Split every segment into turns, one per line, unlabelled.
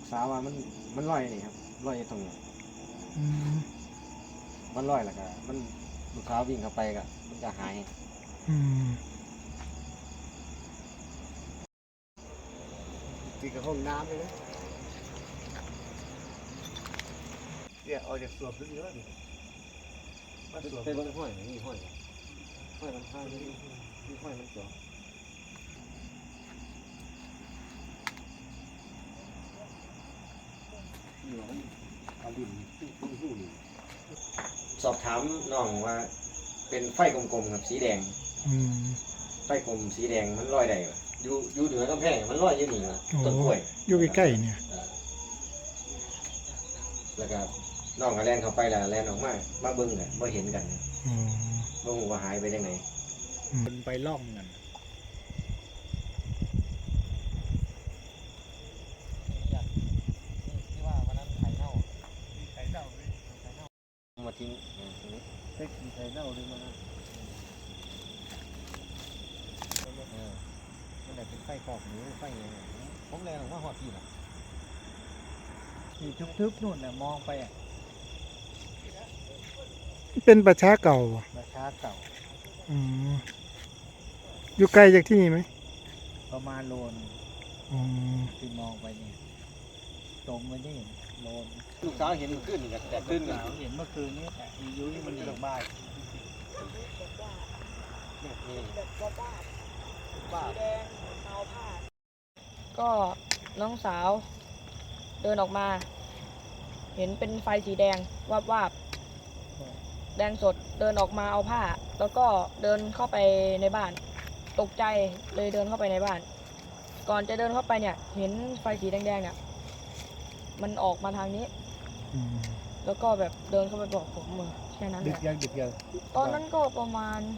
สาวว่ามันลอยนี่ครับลอยตรงนี้มันลอยแล้วก็มันลูกสาววิ่งเข้าไปก็มันจะหายติดกับห้องน้ำเลยนะเนี่ยเอาจากสวมลึกเยอะดิมันสวมเป็นห้อยนี่ห้อยมันห้อยนี่ห้อยมันจ่อสอบถามน้องว่าเป็นไฟกลมๆกับสีแดงไฟกลมสีแดงมันลอยได้อยู่เหนือกำแพงมันลอยอยู่นี่นะต้นกล้วย
อยู่ใกล้ๆเนี่ย
แล้วก็น้องก็แล่นเข้าไปแล้วแล่นออกมาเบิ่งกันบ่เห็นกันบ่ฮู้ว่าหายไปจังไหน
มันไปล่องกัน
ที่ว่าวันนั้นไข่เน่ามาทิ้งได้กินไข่เน่าด้วยมั้งมันได้เป็นไฟกอกหรือไฟอะไรผมแล่นออกมาฮอดที่น่ะ
นี่ทึบๆนู่นน่ะมองไปเป็นประชาเก่าอยู่ไกลจากที่นี่ไหม
ประมาณโลนที่มองไปนี่ตรงไปนี่โลน
ลูกสาวเห็นขึ้นแต่ขึ้น
เห็นเมื่อคืนนี้แต่ยุ้ยมันอยู่บ้าน
ก็น้องสาวเดินออกมาเห็นเป็นไฟสีแดงวาบแดงสดเดินออกมาเอาผ้าแล้วก็เดินเข้าไปในบ้านตกใจเลยเดินเข้าไปในบ้านก่อนจะเดินเข้าไปเนี่ยเห็นไฟสีแดงๆเนี่ยมันออกมาทางนี้แล้วก็แบบเดินเข้าไปบอกผมแค่นั้นแหละ
ดึกยัง
ตอนนั้นก็ประมาณ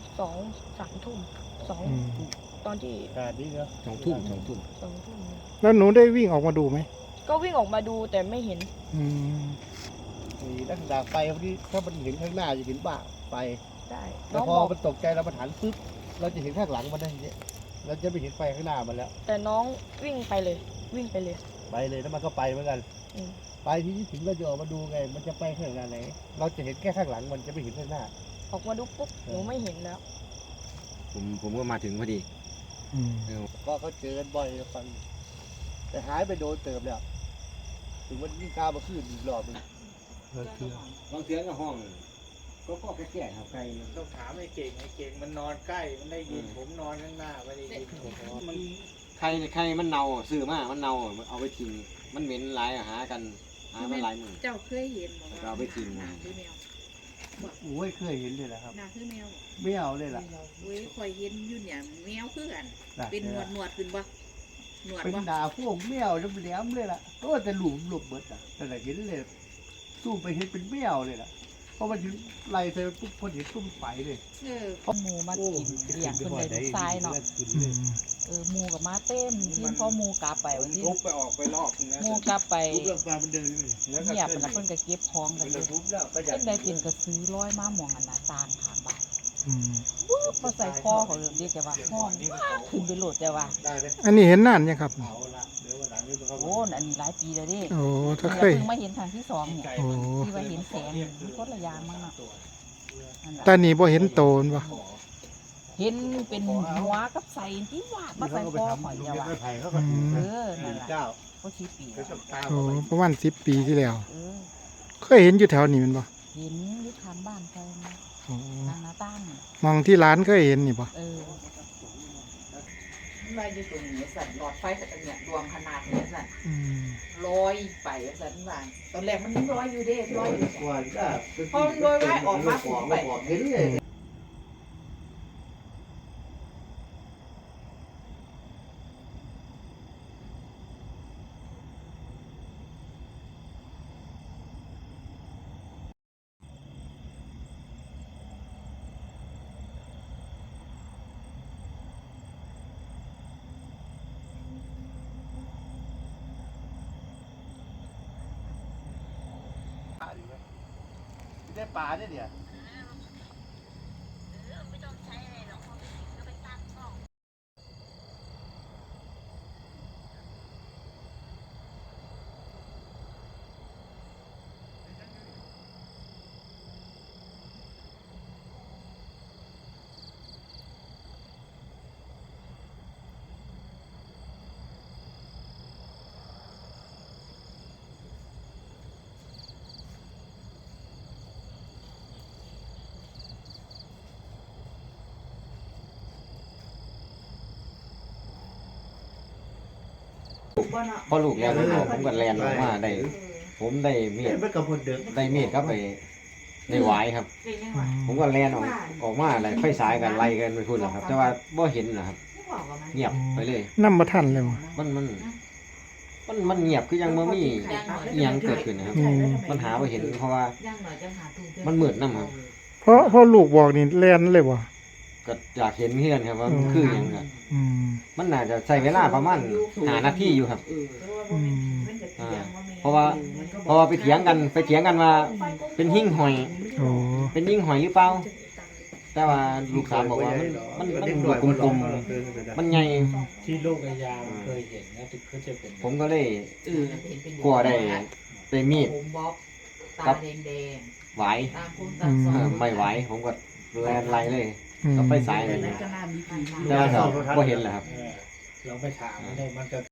2-3 ทุ่มตอนที่
นี่เหรอ2 ทุ่ม
แล้วหนูได้วิ่งออกมาดูไหม
ก็วิ่งออกมาดูแต่ไม่เห็น
นี่ลักษณะไฟพอดีถ้ามันเห็นข้างหน้าจะเห็นบ้าไฟ
ได้
แล้วพอมันตกใจเรามาหันปึ๊บเราจะเห็นข้างหลังมันได้อย่างเงี้ยเราจะไม่เห็นไฟข้างหน้ามันแล้ว
แต่น้องวิ่งไปเลย
แล้วมันก็ไปเหมือนกันไปที่ถึงเราจะออกมาดูไงมันจะไปข้างหน้าไหนเราจะเห็นแค่ข้างหลังมันจะไม่เห็นข้างหน้า
ออกมาดูปุ๊บหนูไม่เห็นแล้ว
ผมก็มาถึงพอดีก็เขาเจอกันบ่อยฟังแต่หายไปโดนเติมแล้วถึงวันนี้ข้าวมาขึ้นอีกรอบนึงบางเสียงกับห้องก็แก่ครับใคร
ต้องถามไอ้เก่งมันนอนใกล้มันได้ยินผมนอนข้างหน้าไม่ได้ยินผม
มันใครมันเน่าซื้อมามันเน่าเอาไปทิ้งมันเหม็นหลายหากันหามาหลายมือ
เจ้าเคยเห็น
เราไปทิ้ง
คือแมว
โอ้ยเคยเห็นเลยแหละครับ
นาคือแมว
ไม่เอาเลยล่ะ
โอ้ยคอยเห็นอยู่เนี่ยแมวคือกันเป็นหนวดขึ้นบ่
หนวดเป็นดาพวกแมวแหลมเลยล่ะก็แต่หลุมเบิดอ่ะแต่เห็นเลยสู้ไปเห็นเป็นแมวเลยล่ะเพราะมันถึงไล่เธอปุ๊บพอเห็นตุ้มไฟเลย
พอหมูมากินเลี้ยงคนใดลูกชายเนาะหมูกับมาเต้มที่พอหมูกลับไปวันที่
ไปออกไปรอบ
หมูกลับไปเงียบไปแล้วเพิ่นก็เก็บของกันเลยเพิ่นได้เป็นกระซื้อร้อยมาหมองอันน่ะต่างทางบ้านมาใส่คอเขาเรียกจะว่าห้องขึ้นไปโหลดจะว่า
อันนี้เห็นนานยังครับ
โอ้อันนี้หลายปีแล้วดิ
โอ้ถ้าเคย
มาเห็นทางที่2เนี่ยที่ว่าเห็นแสงคนละอย่างมั้งเนาะ
ตอนนี้บ่เห็นโตนบ่
เห็นเป็นหัวกับใส่ที่ว่ามาใส่คอหอยจะว่านั่นแหละก็10 ปี
โอ้ประมาณ10 ปีที่แล้วเคยเห็นอยู่แถวนี้มันบ่
เห็นอยู่ทางบ้านใครทางหน้าต่าง
มองที่ร้านเคยเห็นนี่บ่
มาอยู่ตรงนี้สั่นหลอดไฟเนี่ยดวงขนาดนี้สั่นลอยไปสั่นว่าตอนแรกมันลอยอยู่เด้ลอยอยู่พอลอยไว้ออกมาผมไป
ได้ปลาเนี่ย
พอลูกแล้วผมก็แลนออกมาได้ ผมได้มีด
เห็นมันกับคนเดิม
ได้มีดครับไปได้หวายครับ ผมก็แลนออกมาอะไรไฟสายกันไล่กันไปพุ่นแหละครับ แต่ว่าบ่เห็นนะครับ เงียบไปเลย
นำบ่ทันเลยบ่
มันเงียบคือยังบ่มีอิหยังเกิดขึ้นนะครับ มันหาบ่เห็นเพราะว่ามันมืดนำครับ
เพราะลูกบอกนี่แล่นเลยบ่
ก็อยากเห็นเฮือนครับว่ามันคือหยังอ่ะ
อืม
มันน่าจะใช้เวลาประมาณ5นาทีอยู่ครับ
อืม
เพราะว่าไปเถียงกันว่าเป็นหิ้งหอย
โอ้
เป็นหิ้งหอยหรือเปล่าแต่ว่าลูกสาวบอกว่ามันลูกกลมๆมันใหญ่
ที่ลูกอายาเคยเห็นนะก็จะเป็น
ผมก็เลยกลัวได้มีด
ผมบ๊อบตาแดง
ไหว
ๆตาคุณตาสอง
ไม่ไหวผมก็แลนไล่เลย
อืม
ก็ไปสายเลย
ก็น่ามีผี
แต่ว่าก็บ่เห็นแหละครับ
เราไปถามมันได้มันก็